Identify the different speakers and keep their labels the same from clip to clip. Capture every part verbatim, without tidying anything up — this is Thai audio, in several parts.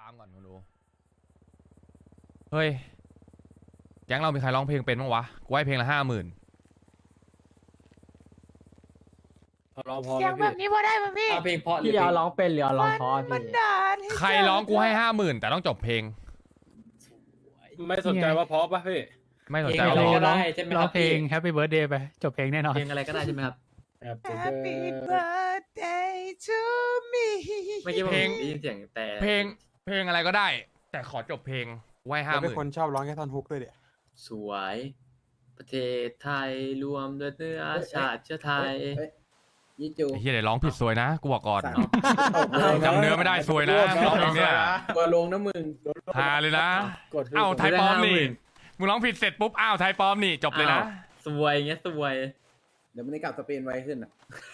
Speaker 1: ฟังก่อนคุณดูเฮ้ยแก๊งเรามีใครร้องเพลงเป็นบ้างวะกูให้เพลงละห้าหมื่น
Speaker 2: ร้องพอ
Speaker 3: เสียงแบบนี้พอได้ไหมพี่
Speaker 2: เอาเพลงเพราะหรือ
Speaker 4: พี่
Speaker 2: เพล
Speaker 4: เอา
Speaker 2: ง
Speaker 4: ร้องเป็นหรือเอาร้องเพราะ
Speaker 3: มั
Speaker 4: พี่
Speaker 3: นด่าให้
Speaker 1: ใครร้องกูให้ห้าหมื่นแต่ต้องจบเพลง
Speaker 5: ไม่สนใจว่าเพราะป่ะพี่
Speaker 1: ไม่สน
Speaker 2: เพล
Speaker 1: ใจ
Speaker 2: งอะไร
Speaker 1: ว่า
Speaker 2: ก็
Speaker 1: ร้อง
Speaker 2: ได้ใช่ไหม
Speaker 4: ร้
Speaker 2: ค
Speaker 4: อ
Speaker 2: รั
Speaker 4: ง
Speaker 2: บ
Speaker 4: เพลง Happy Birthday ไปจบเพลงแน่นอน
Speaker 2: เพลงอะไรก็ได้ใช่ไหมครับ
Speaker 3: Happy birthday to me
Speaker 2: ไม่ใช่ว่า
Speaker 1: เพลง
Speaker 2: ได้ยินเสียงแต่
Speaker 1: เพลงเพลงอะไรก็ได้ แต่ขอจบเพลงกูให้ห้า
Speaker 6: เรา
Speaker 1: ห
Speaker 6: เป็น
Speaker 1: มื่น
Speaker 6: คนชอบร้องแค่ท่อนฮุกด้วยเดี๋ย
Speaker 2: สวย ประเทศไทยรวมด้วยเนื้อชาติเชื้อไทย
Speaker 7: ยี่จู
Speaker 1: ไอ้เหี้ยเดี๋ยวร้องผิดซวยนะกูบอกก่อน
Speaker 7: สั่ง
Speaker 1: จำเนื้อไม่ได้ซวยนะร้องเพลงเนี่ย
Speaker 7: ตัวลงนะมึง
Speaker 1: ฮาเลยนะ
Speaker 5: กด
Speaker 1: เอ้าไทยปลอมนี่
Speaker 2: ได้ห้าหมื่น
Speaker 1: มึงร้องผิดเสร็จปุ๊บอ้าวไทยปลอมนี่จบเลยนะ
Speaker 2: อ้าวสวยเงี้ยสวย
Speaker 7: เดี๋ยวมันได้กลับสเปนไวขึ้นอ่ะ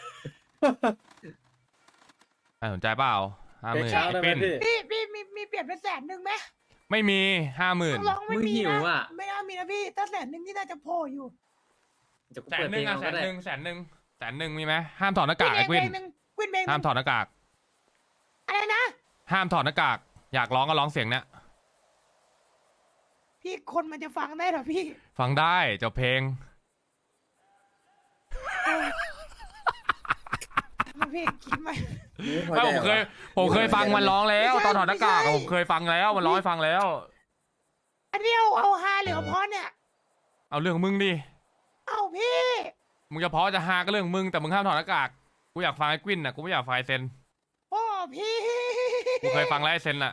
Speaker 1: น่าสนใจเปล่าห้าห
Speaker 5: เพลง
Speaker 1: มื่น
Speaker 5: เช้าได้ไหม
Speaker 1: เป็น
Speaker 5: พี่
Speaker 3: พี่พี่มีมีเปลี่ยนเป็นแสนหนึ่งไหม
Speaker 1: ไม่มีห้าหมื่น
Speaker 3: ร้องไม่
Speaker 2: มึง
Speaker 3: มี
Speaker 2: หิว
Speaker 3: นะ
Speaker 2: อ่ะ
Speaker 3: ไม่น่ามีนะพี่ถ้าแสนหนึ่งที่น่าจะโผล่อยู่
Speaker 2: จะกู
Speaker 1: แส
Speaker 2: เปิ
Speaker 1: น
Speaker 2: ด
Speaker 1: ห
Speaker 2: เพล
Speaker 1: นึ่ง
Speaker 2: ง
Speaker 1: อ่ะ
Speaker 2: เอา
Speaker 1: แส
Speaker 2: ก็
Speaker 1: น
Speaker 2: ได้
Speaker 1: หนึ่งแสนหนึ่งแสนหนึ่งมีไหมห้ามถอดหน้ากากไอ้กวิน
Speaker 3: หนึ่งกวินเพลงห
Speaker 1: ห้าม
Speaker 3: นึ่ง
Speaker 1: ถอดหน้ากาก
Speaker 3: อะไรนะ
Speaker 1: ห้ามถอดหน้ากากอยากร้องก็ร้องเสียงเนี้ย
Speaker 3: พี่คนมันจะฟังได้เหรอพี่
Speaker 1: ฟังได้จบเพลง
Speaker 3: ทำไมพี่คิดไหม
Speaker 1: ไม่ผมเคยผมเคยฟังมันร้องแล้วตอนถอดหน้ากากอะผมเคยฟังแล้วมันร้องให้ฟังแล้ว
Speaker 3: อันเดียวเอาฮาหรือเอาเพราะเนี่ย
Speaker 1: เอาเรื่องของมึงดิ
Speaker 3: เอาพี่
Speaker 1: มึงจะเพราะจะฮาก็เรื่องของมึงแต่มึงห้ามถอดหน้ากากกูอยากฟังไอ้กวินน่ะกูไม่อยากฟังไอ้เซน
Speaker 3: โอ้พี่
Speaker 1: กูเคยฟังแล้วไอ้เซนน่ะ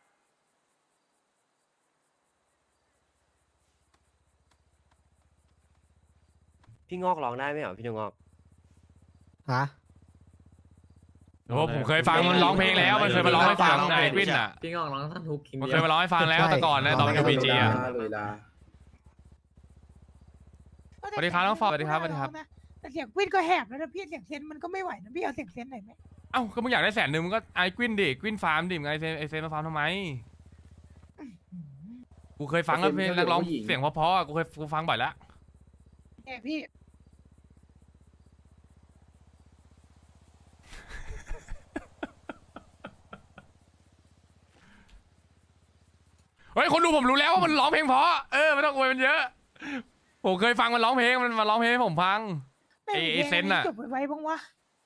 Speaker 8: พี่งอกร้องได้ไหมเหรอพี่งอก
Speaker 4: ฮะ
Speaker 1: โอ้ผมเคยฟังมันร้องเพลงแล้วมันเคยมาร้องให้ฟังไอ้กวินน่ะ
Speaker 2: พี่งอกร้องท่อนฮุกคิง
Speaker 1: มัน
Speaker 2: เดี
Speaker 1: เค
Speaker 2: ย
Speaker 1: ยว มาร้องให้ฟังแล้วแต่ก่อนนะตอนยูบีจีอ่ะ
Speaker 7: ลุยลา
Speaker 1: สวัสดีครับน้องฟอร์ดสวัสดีครับสวัสดีครับ
Speaker 3: แต่เสียงกวินก็แหบแล้วนะพี่เสียงเซนมันก็ไม่ไหวนะพี่เอาเสียงเซนหน่อยไหม
Speaker 1: เอ้าก็มึงอยากได้แสนหนึ่งมึงก็ไอ้กวินดิกวินฟาร์มดิมึงไอ้เซนไอ้เซนมาฟาร์มทำไมกูเคยฟังแล้วเพลงนักร้องเสียงเพราะๆอ่ะกูเคยกูฟังบ่อยแล้ว
Speaker 3: แหมพี่
Speaker 1: เฮ้ยคนดูผมรู้แล้วว่ามันร้องเพลงเพราะเออไม่ต้องอวยมันเยอะผมเคยฟังมันร้องเพลงมันมาร้องเพลงให้ผมฟัง
Speaker 3: แม่ง
Speaker 1: ไอ้ไอ้เซนน่ะ
Speaker 3: จบไว้บ้างวะ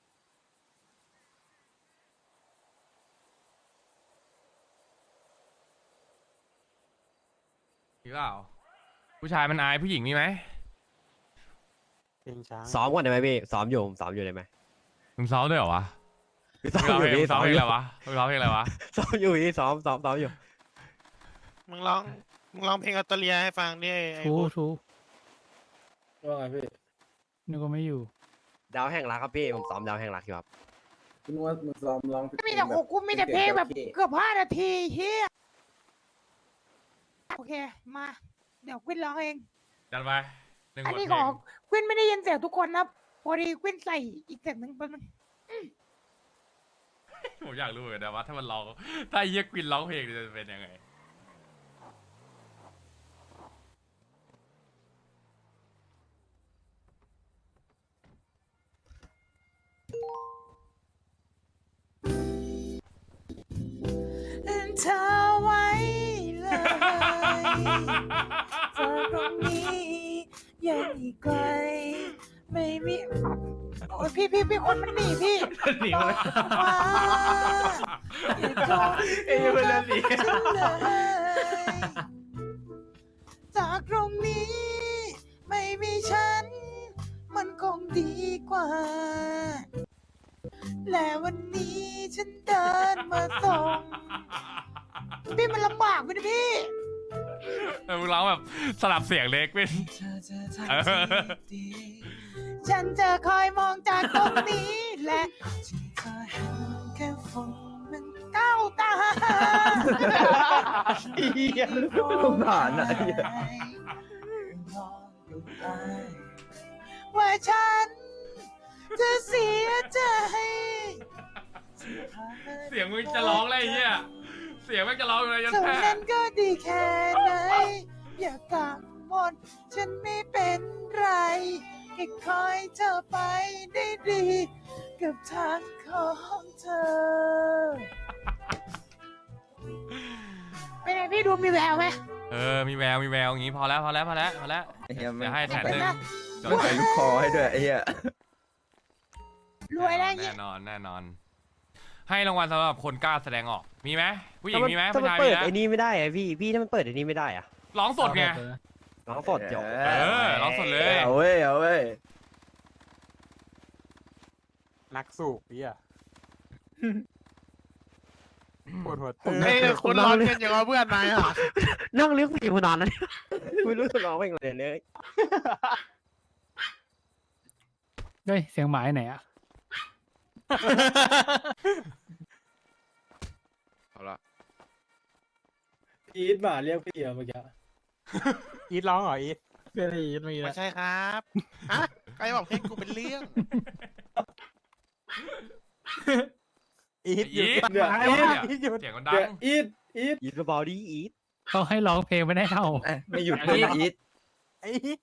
Speaker 1: มีเปล่าผู้ชายมันอายผู้หญิงมีไหม
Speaker 6: เพลงช้าง
Speaker 8: ซ้อมก่อนได้ไหมพี่ซ้อมอยู่ผมซ้อมอยู่ได้ไหม
Speaker 1: มึงซ้อมด้วยเหรอวะ
Speaker 8: พี่ซ้อ
Speaker 1: มึ
Speaker 8: ม
Speaker 1: งร้องเพลง
Speaker 8: อยู่พี่
Speaker 1: ซ้
Speaker 8: ซ้
Speaker 1: อ
Speaker 8: อ
Speaker 1: ม
Speaker 8: ม
Speaker 1: เพล
Speaker 8: อง ยู่
Speaker 1: อะไรวะมึงร้องเพลงอะไรวะ
Speaker 8: ซ้อมอยู่พี่ซ้อมซ้อมซ้อมอยู่
Speaker 9: มึงร้องมึงร้องเพลงอัตเตอเลียให้ฟังดิไอ้
Speaker 4: ทู
Speaker 9: พวก
Speaker 4: ทู
Speaker 5: ว่าไงพี่
Speaker 4: นึกว่าไม่อยู่
Speaker 8: ดาวแห่งรักครับพี่ผมซ้อมดาวแห่งรักอยู่ครับ
Speaker 7: คุณว่ามึงซ้อมร้อง
Speaker 3: มีแต่โอ้กูมีแต่เพลงแบบเกือบห้านาทีเฮียโอเคมาเดี๋ยวกวินร้องเอง
Speaker 1: จัดไปหนึ่งบ
Speaker 3: อัน
Speaker 1: ท
Speaker 3: นี้
Speaker 1: เพ
Speaker 3: ข
Speaker 1: ล
Speaker 3: อง กวินไม่ได้ยินเสียงทุกคนนะพอดีกวินใส่อีกเสียงหนึ่งแป๊บนึง
Speaker 1: ผมอยากรู้เหมือนกันนะว่าถ้ามันร้องถ้าเฮียกวินร้องเพลงจะเป็นยังไง
Speaker 3: เธอไว้เลยเธอตรงนี้ยังอีกไกลไม่มีโอ้ยพี่พี่พี่คนมันหนีพี่
Speaker 2: หนีมาเลย
Speaker 3: ว้าอย่าเข้า
Speaker 2: เอ้ยมันเล่นหนี
Speaker 3: ฉันเลยจากตรงนี้ ไม่มีฉัน มันคงดีกว่า และวันนี้ฉันเดินมาส่ง พี่มันลำบากไปนะพี่
Speaker 1: เออมึงร้องแบบสลับเสียงเล็กวิน
Speaker 3: เธอจะทำสิ่งดีฉันจะคอยมองจากตรงนี้ และที่เธอเห็นแค่ฝุ่นมันเก้าตา
Speaker 7: เหี้ยสงสารอ่ะเหี้ย
Speaker 3: ว่าฉันจะเสียใจ
Speaker 1: เสียงมึงจะร้องอะไรเฮียเสียงมันจะร้องอะไรยัน
Speaker 3: เท่า
Speaker 1: แท้
Speaker 3: นั้นก็ดีแค่ไหน อย่ากังวลฉันไม่เป็นไรแค่คอยเธอไปได้ดี กับทางของเธอนี้ดูมีแววไหม
Speaker 1: เออมีแววมีแววอย่างงี้พอแล้วพอแล้วพอแล้วพอแล้ว
Speaker 7: ไอ้เหี้ย
Speaker 1: เดี๋ยวให้แสนหนึ่งจด
Speaker 7: ใส่ลูกคอให้ด้วยไอ้เหี้ย
Speaker 3: รวยแล้วเงี้
Speaker 1: แน่
Speaker 3: ย
Speaker 1: นอนแน่นอน ให้รางวัลสำหรับคนกล้าแสดงออกมีไหมผู้หญิงมีไหม
Speaker 8: ถ้า
Speaker 1: ผู้
Speaker 8: มัน
Speaker 1: ชาย
Speaker 8: เปิ
Speaker 1: มี
Speaker 8: ด
Speaker 1: นะ
Speaker 8: ไอ้นี่ไม่ได้อะพี่พี่ถ้ามันเปิดไอ้นี่ไม่ได้อะ
Speaker 1: ร้องสดไง
Speaker 8: ร้องสดเดี๋ยว
Speaker 1: เออร้องสดเลย
Speaker 7: เอาเว้ยเอาเว้ย
Speaker 6: นักสูบพี่อะปวดหัว
Speaker 9: เฮ้
Speaker 6: เต้
Speaker 9: ยคุณร้อนกันอย่างว่าเพื่อนนายอ่ะ
Speaker 8: นั่งเลี้ยงเพลงมานานแล้วเนี่ยไม่รู้จะร้องเพลงอะไรเลย
Speaker 4: เฮ้ย เสียงหมายไหนอะ
Speaker 9: เอาละ
Speaker 5: อีทหมาเรียกพี่อะเมื่อกี้
Speaker 6: อีทร้องเหรออีท
Speaker 5: เพื่อนอีทเมื่อกี้
Speaker 9: ไม่ใช่ครับฮะใครบอกเพลงกูเป็นเรื่อง
Speaker 6: อีทหยุด
Speaker 1: อีท
Speaker 6: เนี่ย
Speaker 1: อี
Speaker 6: อี
Speaker 1: ท
Speaker 6: ทหยุด
Speaker 1: เสียงมันดั
Speaker 5: เดี๋ย
Speaker 1: ง
Speaker 5: วอีทอีท
Speaker 8: อีทเบาๆดิอีท
Speaker 4: เขาให้ร้องเพลงไม่ได้เท่า
Speaker 7: เอ้ยไม่หยุดเลยนะอีท
Speaker 6: ไอ้อีท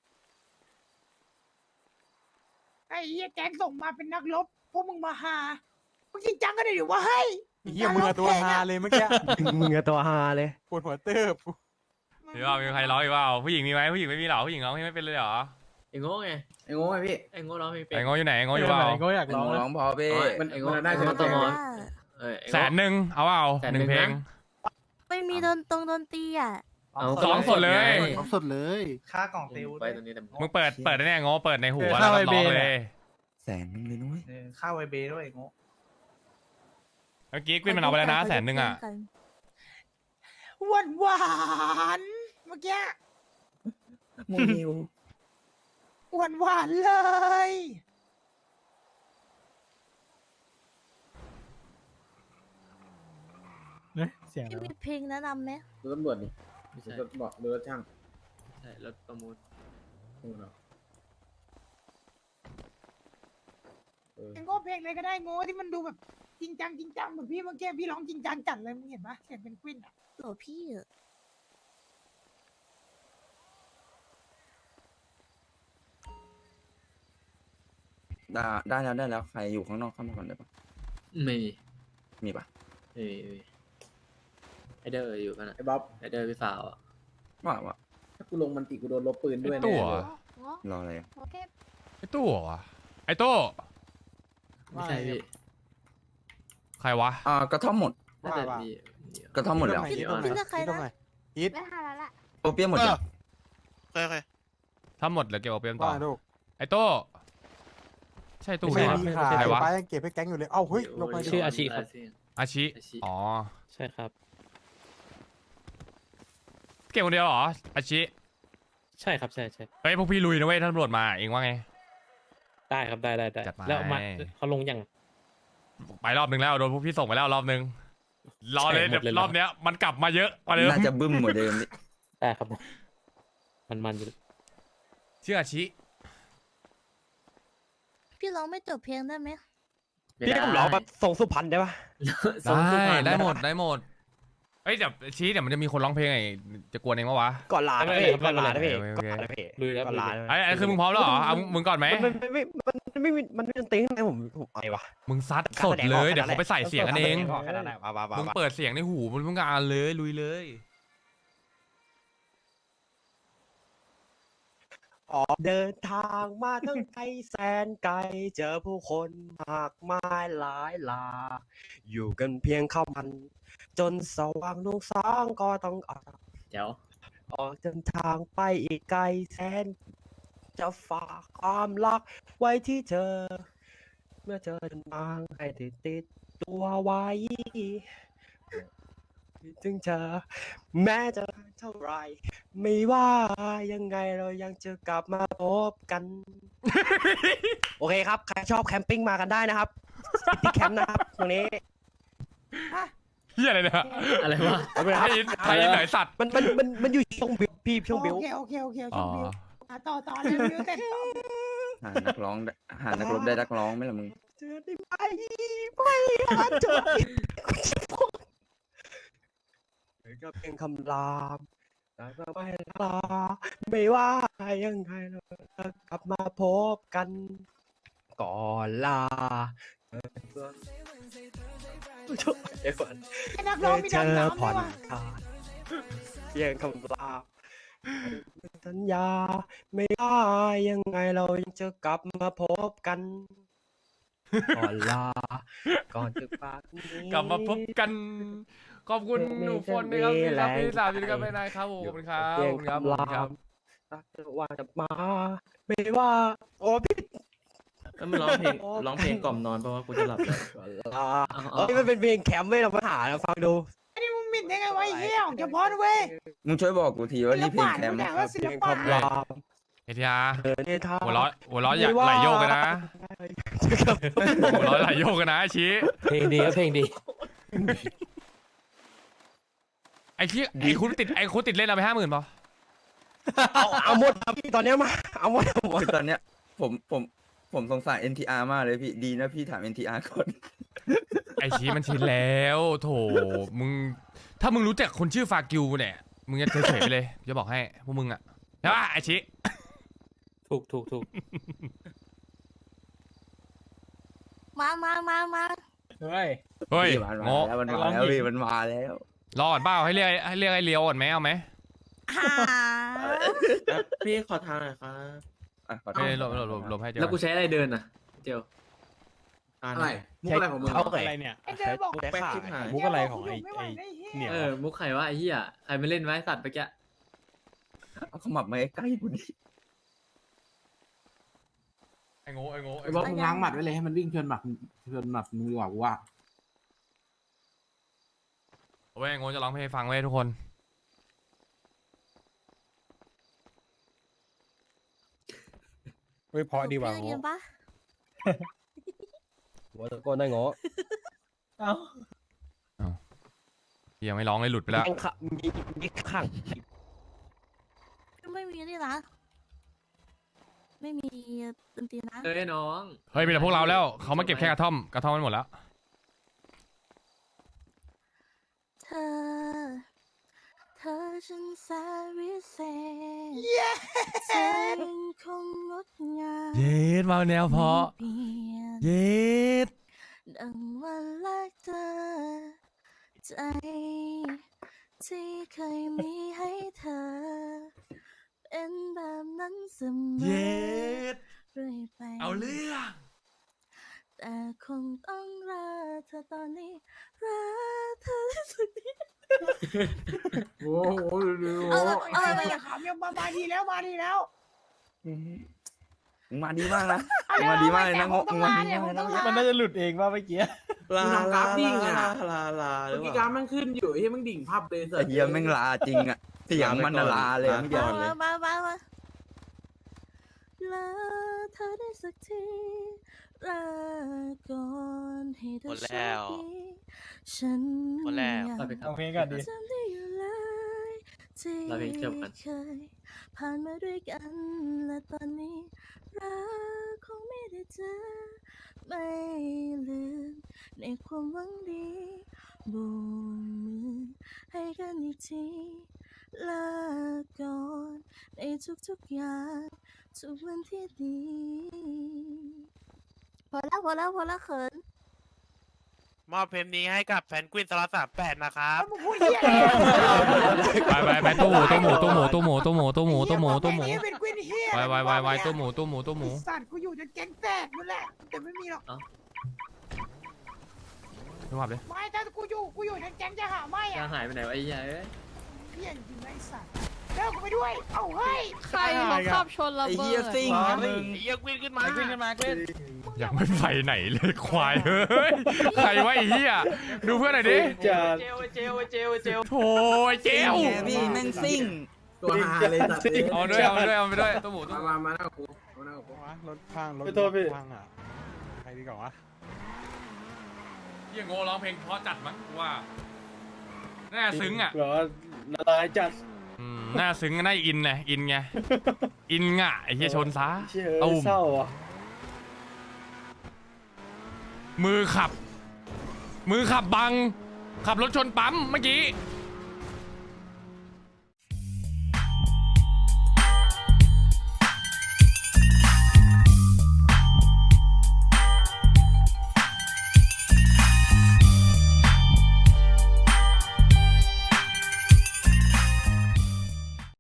Speaker 3: ไอ้เหี้ยแก๊งส่งมาเป็นนักรบพวกมึงมาหามึงจริงจังก็ได้ดิวะเฮ้ย
Speaker 6: เหี้ยมือะตัวฮาเลยเมื่อกี้
Speaker 8: มึงอะตัวฮาเลย
Speaker 6: ปวดหัวเติบ
Speaker 1: มีว่ามีใครร้องอีกเปล่าผู้หญิงมีไหมผู้หญิงไม่มีหรอผู้หญิงร้องเพลงไม่เป็นเลยเหรอ
Speaker 2: ไอ้โง่ไง
Speaker 7: ไอ้โง่ไอ้พี่
Speaker 2: ไอ้โง่ร้องเพลงเป็
Speaker 1: ไอ้
Speaker 2: น
Speaker 1: โง่อยู่ไหนไอ้โง่อยู่เปล่า
Speaker 5: ไหนก็อยาก
Speaker 7: ไอ้
Speaker 5: ร้อง
Speaker 7: โง่
Speaker 5: นะ
Speaker 7: ร้องพอพี่
Speaker 2: อ๋อ
Speaker 7: มัน
Speaker 2: ไอ้โง่
Speaker 7: มันน่าจะ
Speaker 2: ไอ้โง่
Speaker 7: ต
Speaker 2: ต
Speaker 7: ม
Speaker 2: ม เออไอ้โง่
Speaker 1: แสนหนึ่งเอาเปล่า
Speaker 2: แสน
Speaker 1: ห
Speaker 2: หนึ่
Speaker 1: นึ่ง
Speaker 2: ง
Speaker 1: เพลง
Speaker 2: นะ
Speaker 10: ไม่มีดนตรงดนตรีอ่ะ
Speaker 2: เอา
Speaker 1: ร้องสดเลย
Speaker 2: ร้องสดเลยค่ากล่องติวไปตรงนี้แต่
Speaker 1: มึงเปิดเปิดได้แน่โง่เปิดในหัว
Speaker 5: เออ
Speaker 1: แล้ว
Speaker 5: เข้า
Speaker 1: ก็ร้อง
Speaker 5: ไอ้เบน
Speaker 1: เล
Speaker 5: อะ
Speaker 1: ย
Speaker 7: แสนนึงเลยนุ้ย
Speaker 2: ค่าไวเบด้วยโง่
Speaker 1: เมื่อกี้กวินมันเอาไปแล้วนะแสนหนึ่งอ่ะ
Speaker 3: หวานหวานๆเมื่อกี้
Speaker 7: มูนิว
Speaker 3: หวานหวานๆเลย
Speaker 4: เนี่ยเสียง
Speaker 10: พี่มีเพลงแนะนำไหม
Speaker 7: ดูตำรวจนี่
Speaker 2: ไม่
Speaker 7: ดู
Speaker 2: ใช่
Speaker 7: รถบอกดูรถช่าง
Speaker 2: ใช่รถประมูล
Speaker 7: ดูเนาะเออ
Speaker 3: ไอ้โง่เพลงอะไรก็ได้โง่ที่มันดูแบบจริงจังจริงจังเหมือนพี่เมื่อกี้พี่ร้องจริงจังจัดเลยมึงเห็นปะเสียงเป็นควินอะ
Speaker 10: โหลพี่อะ
Speaker 7: ได้ได้แล้วได้แล้วใครอยู่ข้างนอกเข้ามาก่อนได้ปะ
Speaker 2: ไม่มี
Speaker 7: มีปะ
Speaker 2: ไม่มีไม่มีไอเดอร์อยู่กันอะ
Speaker 7: ไอ้บ๊อบ
Speaker 2: ไอเดอร์พี่สาวอ่ะ
Speaker 7: ว่าว่าถ้ากูลงมันติกูโดนลบปืนด้วย
Speaker 1: ไอ้
Speaker 7: แน่
Speaker 1: ตัว
Speaker 7: เลย
Speaker 10: เงาะ
Speaker 7: รออะไรอะ
Speaker 10: โอเค
Speaker 1: ไอ้ตู้เหรอวะไอ้โต้
Speaker 2: ไม่ใช่พี่
Speaker 1: ใครวะ
Speaker 7: อ่ากระท่อมหมด
Speaker 2: น่าจะมีมี
Speaker 7: กระท่อมหมดแล้ว
Speaker 6: อีทตรงไหน
Speaker 10: พี่เลือกใคร
Speaker 6: อีทตรง
Speaker 10: นะ
Speaker 6: ไหนอีท
Speaker 10: ไม่หาแล้วล่ะ
Speaker 7: โอเปียมหมดแล้ว
Speaker 9: เคยเคย
Speaker 1: ถ้าหมดเหลือเก็บเอาเปรียมต่อ
Speaker 6: ว่าลูก
Speaker 1: ไอ้โต้ใช่ตู้
Speaker 6: ไม่
Speaker 1: ไหม
Speaker 6: ใช่
Speaker 1: วะ
Speaker 6: พี่ขาย
Speaker 1: ใครวะ
Speaker 6: ป้ายังเก็บให้แก๊งอยู่เลย เอ้าเฮ้ยลงมาดิ
Speaker 2: ชื่ออาชีครับ
Speaker 1: อาชิ
Speaker 2: อาชิ
Speaker 1: อ๋อ
Speaker 5: ใช่ครับ
Speaker 1: เก็บคนเดียวเหรออาชิ
Speaker 5: ใช่ครับใช่ใช่
Speaker 1: เฮ้ยพวกพี่ลุยนะเว้ยถ้าตำรวจมาเองว่าไง
Speaker 5: ได้ครับได้ได้ได้
Speaker 1: จัดมา
Speaker 5: แล้วมาเขาลงยัง
Speaker 1: ไปรอบนึงแล้วโดนพวกพี่ส่งไปแล้วรอบนึงรอเลย
Speaker 5: ใช่หมดเลยเหรอ
Speaker 1: รอบเนี้ยมันกลับมาเยอะกว่าเดิม
Speaker 7: น่าจะบึ้มเหมือนเดิมนี่
Speaker 5: ได้ครับ มันมันอยู่
Speaker 1: ชื่ออาชิ
Speaker 10: พี่ร้องไม่จบเพลงได้ไหม
Speaker 8: พี่ผมร้องแบบทรงสุพรรณได้ปะ
Speaker 2: ทรงสุพรรณ
Speaker 1: ได้หมดได้หมดเอ้ยเดี๋ยวชี้เดี๋ยวมันจะมีคนร้องเพลงไงจะกวนเองปะวะ
Speaker 8: ก่อนลานะพี่ก่อนลานะพี่
Speaker 1: โอเคโอ
Speaker 8: ก่อน
Speaker 1: เค
Speaker 8: ลานะพี่
Speaker 5: ลุยแล้ว
Speaker 8: ก่อนลา
Speaker 1: ไอ้ไอ้คือมึงพร้อมแล้วเหรอเอามึงก่อนไหม
Speaker 8: มันไม่ไม่มันไม่มีมันไม่มีดนตรีข้างในผมผมอะไรวะ
Speaker 1: มึงซัดสดเลยเดี๋ยวเขาไปใส่เสียงกันเอง
Speaker 8: แค่นั้นแหละมามามา
Speaker 1: มึง
Speaker 8: มา
Speaker 1: เปิดเสียงในหูมึงต้องการเลยลุยเลย
Speaker 8: ออกเดินทางมาตั้งไกลแสนไกลเจอผู้คนมากมายหลายหลากอยู่กันเพียงข้าวมัน จนสว่างนุ่งสางก็ต้องออก
Speaker 2: เดี๋ยว
Speaker 8: ออกเดินทางไปอีกไกลแสน จะฝากความรักไว้ที่เธอ เมื่อเธอเดินทางให้ติดติดตัวไว้คิดถึงเธอ แม้จะเท่าไร ไม่ว่ายังไงเรายังจะกลับมาพบกัน โอเคครับ ใครชอบแคมปิ้งมากันได้นะครับที่แคมป์นะครับตรงนี้
Speaker 1: เฮียอะไรเนี่ย
Speaker 2: อะไรวะ
Speaker 8: เอาไปนะ
Speaker 1: ไท
Speaker 8: ครับ
Speaker 1: ยอินไทยอินไหนสัตว์
Speaker 8: มันมันมันมันอยู่ช่วงบิวพี่ช่วงบิว
Speaker 3: โอเคโอเคโอเค
Speaker 1: อ๋
Speaker 3: ช่
Speaker 1: อ
Speaker 3: วงบิวอ่ะต่อต่อเร็วเร็วเสร็จต่อ
Speaker 7: หานักร้องได้หานักรบได้นักร้องไหมล่ะมึง
Speaker 8: เจอได้ไหมไม่อาจเจอก็เพียงคำรามแต่ก็ไม่ลาไม่ว่ายังไงเราจะกลับมาพบกัน ก่อนลาเพื่อนเดี๋ยวก่อน
Speaker 3: ไอ้นักร้องมี
Speaker 8: เจ
Speaker 3: ดำ
Speaker 8: อ
Speaker 3: น้ำ
Speaker 8: ผ่
Speaker 3: ด้
Speaker 8: อ
Speaker 3: วย
Speaker 8: น
Speaker 3: ว่ะ
Speaker 8: คลายพียงคำลาสัญญาไม่ว่ายังไงเรายังจะกลับมาพบกัน ก่อนลา ก่อนจะปากนี้
Speaker 1: กลับมาพบกัน ขอบคุณหนูฝนนะครับที่รับพี่สาวอยู่ด้วยกันไปนานครับผมขอบคุณครับขอบคุณครับขอบคุณครับ
Speaker 8: รักเธอว่าจะมา ไม่ว่าโอ้พี่
Speaker 2: แล้วมันร้องเพลงร้องเพลงกล่อมนอนเพราะว่ากูจะหลับแล้ว
Speaker 8: ก่อนลาเอ้ยมันเป็นเพลงแคมป์ไม่เรามาหานะฟังดู
Speaker 3: ไอ้นี่มึงหมิ่นได้ไงวะไอ้เหี้ยของเฉพาะนะเว้ย
Speaker 7: มึงช่วยบอกกูทีว่านี่เพลงแคมป์
Speaker 3: ศิลปะ
Speaker 7: ครับ
Speaker 3: ศิล
Speaker 8: เพลง
Speaker 3: ปะ
Speaker 8: คำลา
Speaker 1: เอทีอาร์
Speaker 8: เธอเนี่ยท่า
Speaker 1: หัวเร้อหัวเร้ออย่าไหลโยกกันนะหัวเร้อไหลโยกกันนะไอ้ชี้
Speaker 2: เพลงดีก็เพลงดี
Speaker 1: ไอ้ชี้ไอ้คุณติดไอ้คุณติดเล่นเอาไปห้าหมื่นป่ะ
Speaker 8: เอาเอาหมดครับพี่ตอนเนี้ยมาเอาหมดเอาหมด
Speaker 7: คือตอนเนี้ยผมผมผมสงสาร เอ็น ที อาร์ มากเลยพี่ดีนะพี่ถาม เอ็น ที อาร์ ก่อน
Speaker 1: ไอ้ชี้มันชินแล้วโถมึงถ้ามึงรู้จักคนชื่อฟากิวเนี่ยมึงจะเฉยๆไปเลยจะบอกให้พวกมึงอ่ะใช่ป่ะไอ้ชี้
Speaker 2: ถูกถูกถูก
Speaker 10: มามามามา
Speaker 5: เฮ้ย
Speaker 1: เฮ้ย
Speaker 7: พี่มัน
Speaker 1: โง่
Speaker 7: มาแล้วมันมาแล้วพี่มันมาแล้ว
Speaker 1: รอก่อนเปล่าให้เรียกให้เรียกไอ้เลียวก่อนไหมเอาไหม
Speaker 10: หา
Speaker 2: พี่ขอทางหน่อยครับ
Speaker 7: อ่ะขอโท
Speaker 1: เอ้
Speaker 7: ษ
Speaker 1: ยหลบหลบหลบหลบให้เจ้า
Speaker 2: แล้วกูใช้อะไรเดินอ่ะเจล
Speaker 5: อะไรมุกอะไรของมึง
Speaker 8: เอา
Speaker 5: อะไรเนี่ย
Speaker 3: ไอ้เดินบอก
Speaker 8: แป๊กชิบหาย
Speaker 5: มุกอะไรของไอ้
Speaker 3: ไม่ไหว
Speaker 5: ไอ้
Speaker 3: ไอ้เหี้ย
Speaker 5: เนี่ย
Speaker 2: เออมุกใครวะไอ้เหี้ยใครไม่เล่นไว้สัตว์ไปแก
Speaker 7: เอาขมับมาใกล้ๆกูดิ
Speaker 1: ไอ้โง่ไอ้โง่
Speaker 3: ไอ้บอกมึงง้างหมัดไว้เลยให้มันวิ่งชนหมัดชนหมัดมึงดีกว่ากูว่า
Speaker 1: เว้ยไอ้โง่จะร้องเพลงให้ฟังเว้ยทุกคน
Speaker 5: เฮ้ยเพราะดีว่ะ
Speaker 10: เพื่อนกันปะ
Speaker 8: หัวตะโกนได้งอ
Speaker 1: ยังไม่ร้องเลยหลุดไปแล้ว
Speaker 8: ยังขะมีมีขัง
Speaker 10: ไม่มีนี่นะไม่มีดนตรีนะ
Speaker 2: เอ้ยน้อง
Speaker 1: เฮ้ยมีแต่พวกเราแล้วเขามาเก็บแค่กระท่อมกระท่อมมันหมดแล้ว
Speaker 10: เธอ เธอฉันแสนวิเศษเธอยังคงงดงาม
Speaker 1: เย็ดมาแนวเพราะ
Speaker 10: ไม่เปลี่ยน
Speaker 1: เย็ด
Speaker 10: ดังวันแรกเธอ ใจ ที่เคยมีให้เธอ เป็นแบบนั้นเสมอ
Speaker 1: เย็ด
Speaker 10: เรื่อยไป
Speaker 1: เอาเรื่อง
Speaker 10: แต่คงต้องรอเธอตอนนี้รักเธอที่สุดนี้
Speaker 3: โอ้โห
Speaker 10: เอาละเอาละ
Speaker 3: ไอ้เหี้ยขำยังมามาดีแล้วมาดีแล้ว
Speaker 7: มึงมาดีมากนะมึงมาดีมากเลยนะงงมึงมาดีมากเลยนะ
Speaker 5: มันน่าจะหลุดเองว่าเมื่อกี้
Speaker 2: ลาลาลาลาลาหรือ
Speaker 3: เมื่อ
Speaker 2: เป
Speaker 3: กี้
Speaker 2: ล่า
Speaker 3: การมันขึ้นอยู่ที่มึงดิ่งภาพเลย
Speaker 7: ไอ้เหี้ยแม่งลาจริงอ่ะเสียงมันน่ะลาเลยอะเมื่อกี้
Speaker 10: มามามามาลาเธอได้สักทีลาก่อนให้เธอโชคดีฉันยัง
Speaker 2: เราไปครั
Speaker 5: เอา
Speaker 2: บ
Speaker 5: เพลงก่อนดิ
Speaker 10: จำได้อยู่เลยที่
Speaker 2: เราเพลงจบกัน
Speaker 10: เคยผ่านมาด้วยกันและตอนนี้รักคงไม่ได้เจอไม่ลืมในความหวังดีโบกมือให้กันอีกทีลาก่อนในทุกๆอย่างทุกวันที่ดีพอแล้วพอแล้วพอแล้วเขิน
Speaker 9: มอบเพลงนี้ให้กับแฟนกวินสล็อตสามแปดนะครับ
Speaker 3: มึงพูดเหี้ย
Speaker 1: ไปไปไปตู้หมูตู้หมูตู้หมูตู้หมูตู้หมูตู้หมูตู้หมูตู้หมู
Speaker 3: ไอ้เหี้ยเป็นกวินเหี้ย
Speaker 1: ไปไปไปไปตู้หมูตู้หมูตู้หมู
Speaker 3: ไอ้สัตว์กูอยู่จนแก๊งแตกนั่นแหละแต่ไม่มีหรอก
Speaker 1: ไม่ว่าเลย
Speaker 3: ไม่ถ้ากูอยู่กูอยู่จนแก๊งจะหาไม่
Speaker 2: จะ
Speaker 3: อะ
Speaker 2: หายไปไหนวะไอ้เหี้ยเอ้ย
Speaker 3: เหี้ยจริงๆนะไอ้สัตว์เลิกกูไปด้วยเอ้าเฮ้ย
Speaker 10: ใครเขาขับชนระ
Speaker 7: ไอ้
Speaker 10: เบิ
Speaker 7: เหี้ย
Speaker 10: ด
Speaker 7: ซิ่งนะมึง
Speaker 9: ไอ้เหี้ยกวินขึ้นมา
Speaker 5: ขึ้นกันมาขึ้น
Speaker 1: ยังไม่ไปไหนเลยควายเฮ้ยใครวะไอ้เหี้ยดูเพื่อนหน่อยดิ
Speaker 5: จะ
Speaker 2: เจลเจลเจลเจล
Speaker 1: โถ่ไอ้เจล
Speaker 7: ไงพี่แม่งซิ่ง
Speaker 3: ตัวหาเลยสัตว์
Speaker 1: เอาด้วยเอาด้วยเอาไปด้วยตู้หมูตู้หมู
Speaker 3: มามาหน้ากูมาหน้ากู
Speaker 5: รถพังรถพังอ่ะใครดีกว่าวะ
Speaker 1: เหี้ยโง่ร้องเพลงเพราะจัดมั้งกูว่าน่าซึ้งอ่ะ
Speaker 5: แบบว่าละลายจัด
Speaker 1: อืมน่าซึ้งน่าอินไงอินไงอินง่ะไอ้เหี้ยชนซะ
Speaker 5: เชื่อ
Speaker 1: ตุ้ม
Speaker 5: เศร้าอ่ะ
Speaker 1: มือขับ มือขับบัง ขับรถชนปั๊มเมื่อกี้
Speaker 5: เ